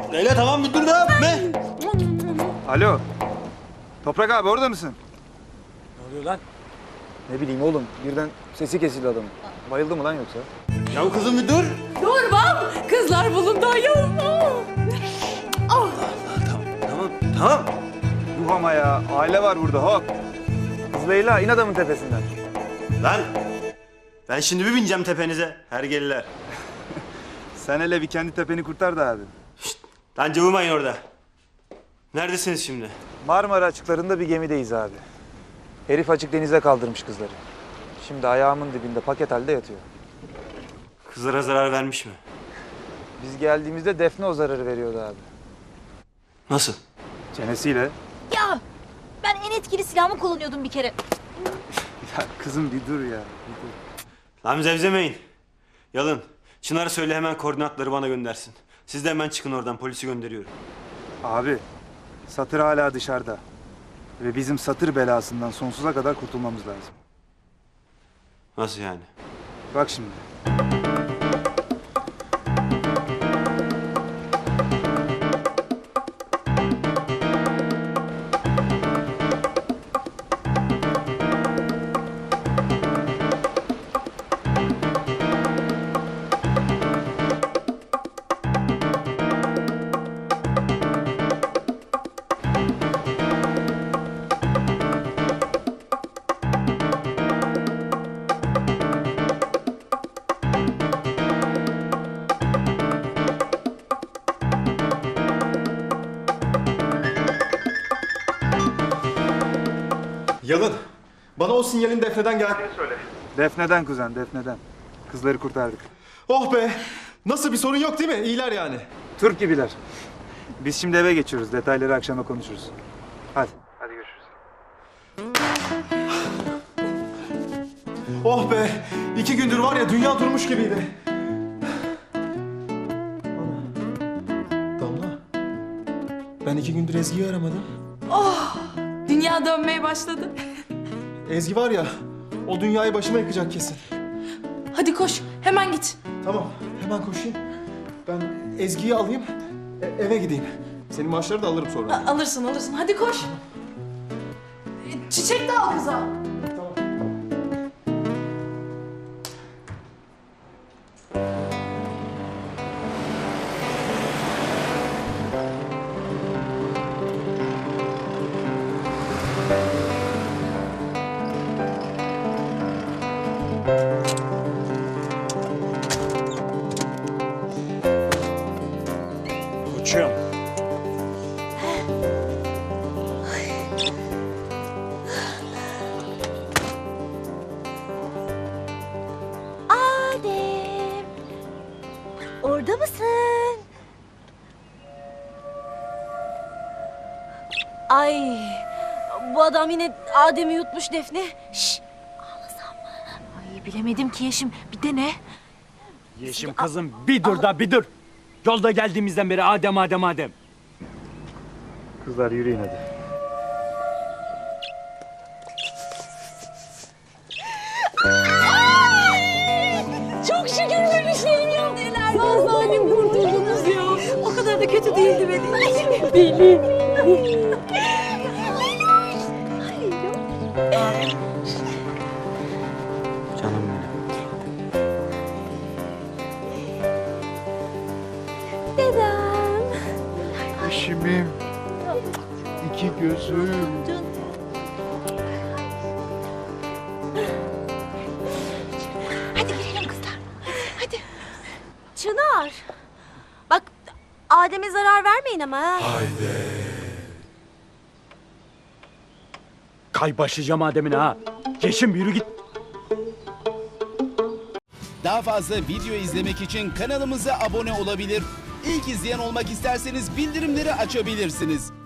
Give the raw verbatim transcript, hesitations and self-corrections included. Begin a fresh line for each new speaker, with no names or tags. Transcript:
Leyla tamam bir dur da ne?
Alo. Toprak abi orada mısın?
Ne oluyor lan?
Ne bileyim oğlum. Birden sesi kesildi adamın. Bayıldı mı lan yoksa?
Ya kızım bir dur.
Durmam. Kızlar bulundu ayol. Oh.
Tamam tamam.
Yuh ama ya. Aile var burada hop. Kız Leyla in adamın tepesinden.
Lan ben şimdi bir bineceğim tepenize hergeliler.
Sen hele bir kendi tepeni kurtar da abi.
Lan cıvımayın orada. Neredesiniz şimdi?
Marmara açıklarında bir gemideyiz abi. Herif açık denize kaldırmış kızları. Şimdi ayağımın dibinde paket halde yatıyor.
Kızlara zarar vermiş mi?
Biz geldiğimizde Defne o zararı veriyordu abi.
Nasıl?
Çenesiyle.
Ya ben en etkili silahımı kullanıyordum bir kere.
Ya kızım bir dur ya. Bir dur.
Lan zevzemeyin. Yalın. Çınar'a söyle hemen koordinatları bana göndersin. Siz de hemen çıkın oradan, polisi gönderiyorum.
Abi Satır hala dışarıda. Ve bizim Satır belasından sonsuza kadar kurtulmamız lazım.
Nasıl yani?
Bak şimdi.
Yalın, bana o sinyalin Defne'den geldiğini söyle.
Defne'den kuzen, Defne'den. Kızları kurtardık.
Oh be! Nasıl bir sorun yok değil mi? İyiler yani.
Türk gibiler. Biz şimdi eve geçiyoruz. Detayları akşama konuşuruz. Hadi. Hadi görüşürüz.
Oh be! İki gündür var ya dünya durmuş gibiydi. Ana. Damla. Ben iki gündür Ezgi'yi aramadım.
Oh. Dünya dönmeye başladı.
Ezgi var ya, o dünyayı başıma yıkacak kesin.
Hadi koş. Hemen git.
Tamam, hemen koşayım. Ben Ezgi'yi alayım, e- eve gideyim. Senin maaşları da alırım sonra.
A- alırsın alırsın. Hadi koş. E, Çiçek de al kıza.
Tamam.
Koçum.
Adem. Orada mısın? Ay, bu adam yine Adem'i yutmuş Defne. Şş, ağlasam mı? Ay bilemedim ki Yeşim. Bir de ne?
Yeşim kızım bir dur da bir dur. Yolda geldiğimizden beri Adem Adem Adem.
Kızlar yürüyün hadi.
Çok şükür böyle şeyim yok. Neler var zalim kurtuldunuz ya. O kadar da kötü değildi benim. Deli.
Canım benim.
Dedem.
Eşimim. İki gözüm.
Hadi girelim kızlar. Hadi. Çınar. Bak Adem'e zarar vermeyin ama ha.
Kay başlayacağım Adem'ine ha. Yeşim yürü git.
Daha fazla video izlemek için kanalımıza abone olabilir. İlk izleyen olmak isterseniz bildirimleri açabilirsiniz.